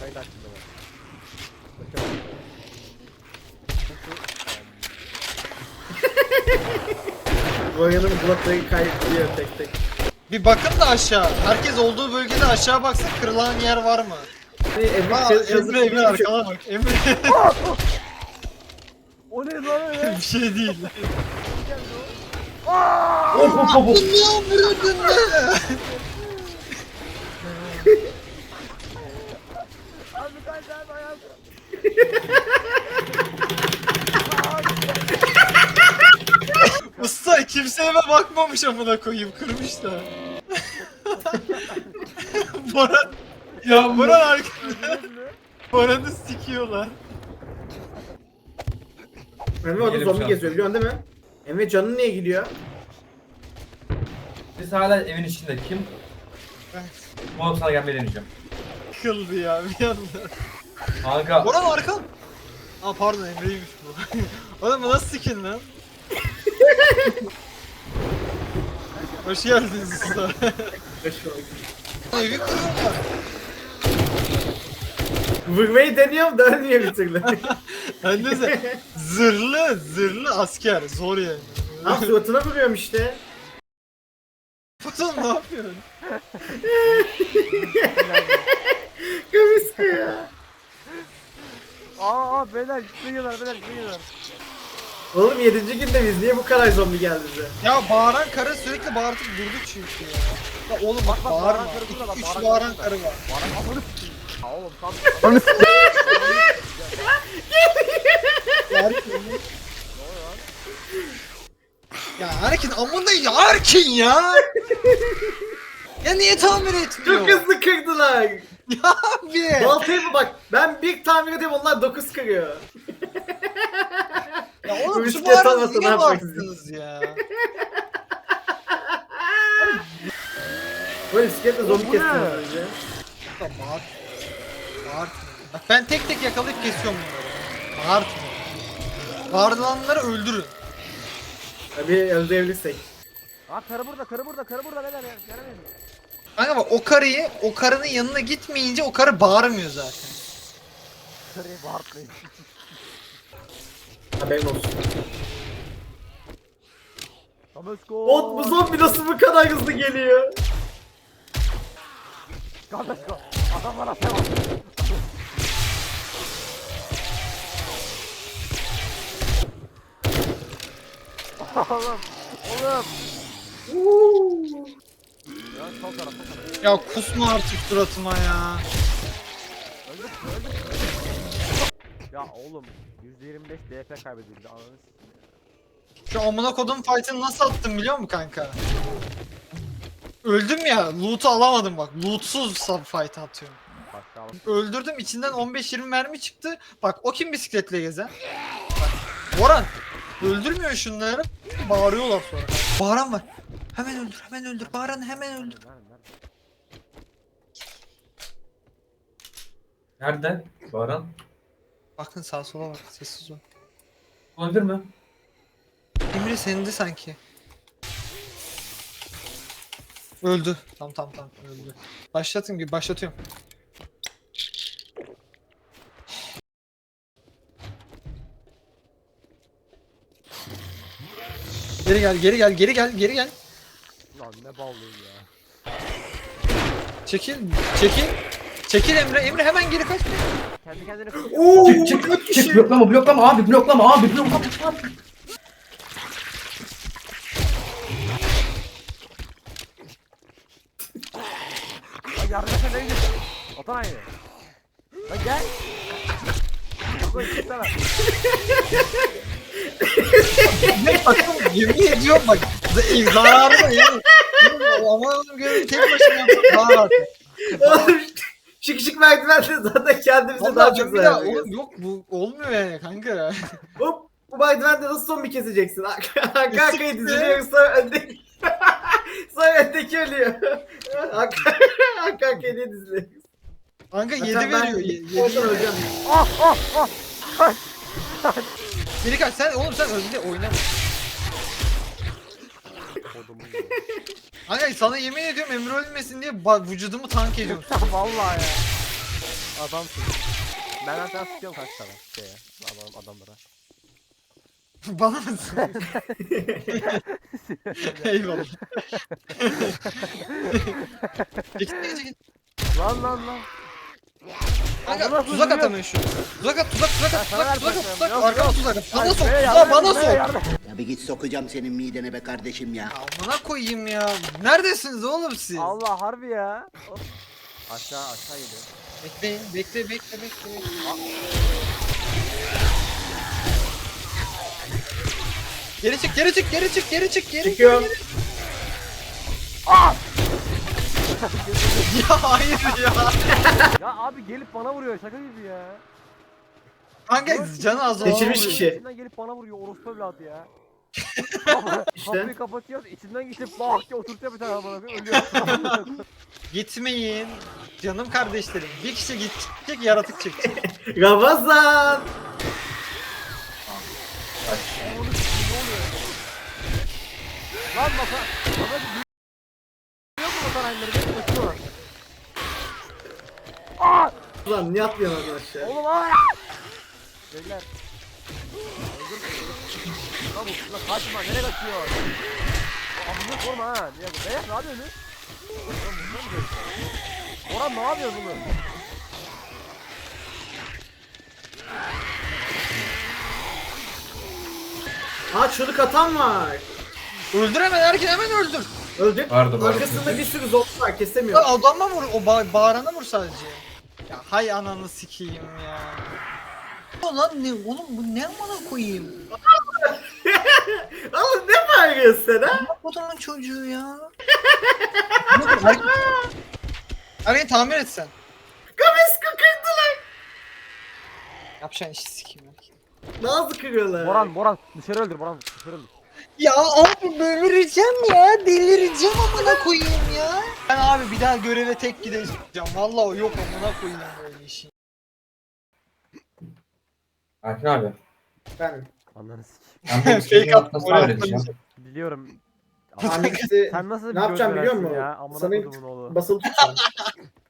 kayıt açtım ben. Royan'ın blokları kaydediyor tek tek. Bir bakın da aşağı. Herkes olduğu bölgede aşağı baksın, kırılan yer var mı? Emre arkana bak. Emre O ne lan öyle? bir şey değil. Hop hop hop. Abi kaç abi ayağım. Usta kimse eve bakmamış amına koyayım, kırmışlar. Boran ya Boran arkada. Boran'ı sikiyorlar. Emre orada Gelim zombi şu an. geziyor biliyorsun değil mi? Emre canın niye gidiyor? Biz hala evin içinde kim? Oğlum sana gelmeyi deneyeceğim. Kıldı ya bir anda. Kanka. Boran arkan. Aa pardon Emre'ymiş bu. Oğlum bu nasıl sikin lan? Hoş geldiniz usta. Evi kırıyorlar. Vurmayı deniyorum da ölmüyor bir türlü. Ben de zırhlı asker zor yani. Ah suratına vuruyorum işte. Patron ne yapıyorsun? Kıvıska ya. Aa beyler gitmiyorlar beyler gitmiyorlar. Oğlum 7. günde biz niye bu kadar zombi geldi bize? Ya bağıran karı sürekli bağırtıp durdu çünkü ya. Ya oğlum bak bağırma. bağıran karı burada bak, 3 bağıran bağıran karı karı var. Bana amını s**eyim. Ya oğlum tam. Ya Erkin amına ya Erkin ya. Ya niye tamir etmiyor? Çok hızlı kırdılar. Ya abi. Baltayı mı bak? Ben bir tamir ediyorum onlar 9 kırıyor. Ya oğlum Bu şu bisiklet bağıranı olmasa ne niye yapacaksın? bağırttınız ya? Böyle bisikletle zombi Bu kestim ne? az önce. Ya bağır. Bağırtma. Bak ben tek tek yakalayıp kesiyorum bunları. Bağırtma. Bağırılanları öldürün. Tabii öldürebilirsek. Aa karı burada beyler ya. Gelemeyin. Kanka bak o karının yanına gitmeyince o karı bağırmıyor zaten. Karıyı bağırtmayın. Haberin olsun. Let's go. Ot bu zombi nasıl bu kadar hızlı geliyor? Let's go. Adamlar atamaz. Oğlum. Ya sol taraf. Ya kusma artık suratıma ya. Öldük. Ya oğlum %25 DP kaybedildi ananı s**eyim. Şu amına kodum fight'ını nasıl attım biliyor musun kanka? Öldüm ya, loot'u alamadım bak. Loot'suz sub fight atıyorum. Başka alalım. Öldürdüm, içinden 15-20 mermi çıktı. Bak o kim bisikletle gezen? Bak. Boran öldürmüyor şunları. Bağırıyorlar sonra. Bağıran var. Hemen öldür. Bağıranı hemen öldür. Nerede? Baran. Bakın sağa sola bak, sessiz ol. Olabilir mi? Emre sendi sanki. Öldü. Tamam öldü. Başlatıyorum. Geri gel. Lan ne ballıyım ya. Çekil Emre hemen geri kaç. Kendi kendine Oo, Çık bloklama abi bloklama abi. Lan yardım etsene ne gidiyorsun? Atan aynı. Lan gel. Yok lan gitsene. Bakın yemin ediyorum bak. Zararlı yani. Ama görevi tek başına yapmak daha rahat. Oğlum şık merdivenle zaten kendimize daha çok bir zarar daha veriyoruz. oğlum yok bu olmuyor yani kanka. Hop bu merdivende nasıl zombi keseceksin? Arka arkaya Kesinlikle. diziliyor sonra öndeki sonra öndeki ölüyor. Arka arkaya diye diziliyor. Kanka 7 Zaten ben veriyor. 7 oradan öleceğim. Biri kaç sen önde oynama. Kodumun ya. Kanka sana yemin ediyorum Emre ölmesin diye vücudumu tank ediyorum. Vallahi ya. Adamsın. Ben sana sıkıyorum kaç tane adamlara. Bana mısın? Eyvallah. Çekil. Lan. Kanka Amına tuzak koyayım. atamıyor şu. Tuzak at. sana ver Tuzak. bakayım. Yok, Arkana yok. tuzak at. Bana Ay, sok. be, Tuzağı yardım bana et, be, sok. yardım. Ya bir git sokacağım senin midene be kardeşim ya. Amına koyayım ya. Neredesiniz oğlum siz? Allah harbi ya. Of. Aşağı geliyor. Bekleyin. Bekle. Geri çık. Çıkıyorum. Ya hayır ya. Ya abi gelip bana vuruyor şaka gibi ya. Kanka canı az olan Geçirmiş oluyor. kişi. İçinden gelip bana vuruyor orospu evladı ya. İşte. Kapıyı kapatıyoruz içinden geçip bak ya oturtuyor bir tane bana ölüyor. Gitmeyin. Canım kardeşlerim. Bir kişi gidecek yaratık çekecek. Ramazan. Lan masa. Masa duyuyor mu motor aynıları? Benim kaçıyor. Aa! Ulan niye atlıyorsun oradan aşağı? Oğlum aa! Beyler. Lan bu lan kaçma nereye kaçıyor? Amına korma ha. Niye bu? Ne yapıyorsun? Orhan ne yapıyorsun bunu? Aa çığlık atan var. Öldür hemen öldür. Öldük. Vardı. Arkasında bir sürü zombi var kesemiyor. Ya adama vur. O bağırana vur sadece. Ya hay ananı sikeyim ya. Lan ne oğlum bu ne amına koyayım? Oğlum ne bağırıyorsun sen ha? Adamın çocuğu ya. Arayı tamir et sen. Kamesko kırdılar. Yapacağın işi sikeyim ya. Nazlı kırıyorlar. Boran dışarı öldür Boran dışarı öldür. Ya abi delireceğim ya. Delireceğim amına koyayım ya. Ben abi bir daha göreve tek gideceğim. Vallahi o yok amına koyayım böyle işi. Erkin abi. Ben. Ananı sikeyim. Ben bu Fake üçünün attım, ortasına oraya vereceğim. Biliyorum. Hangisi Sen nasıl bir ne yapacağım göz biliyor verensin musun? ya? Amına Sana kodumun oğlu. basılı tutacağım.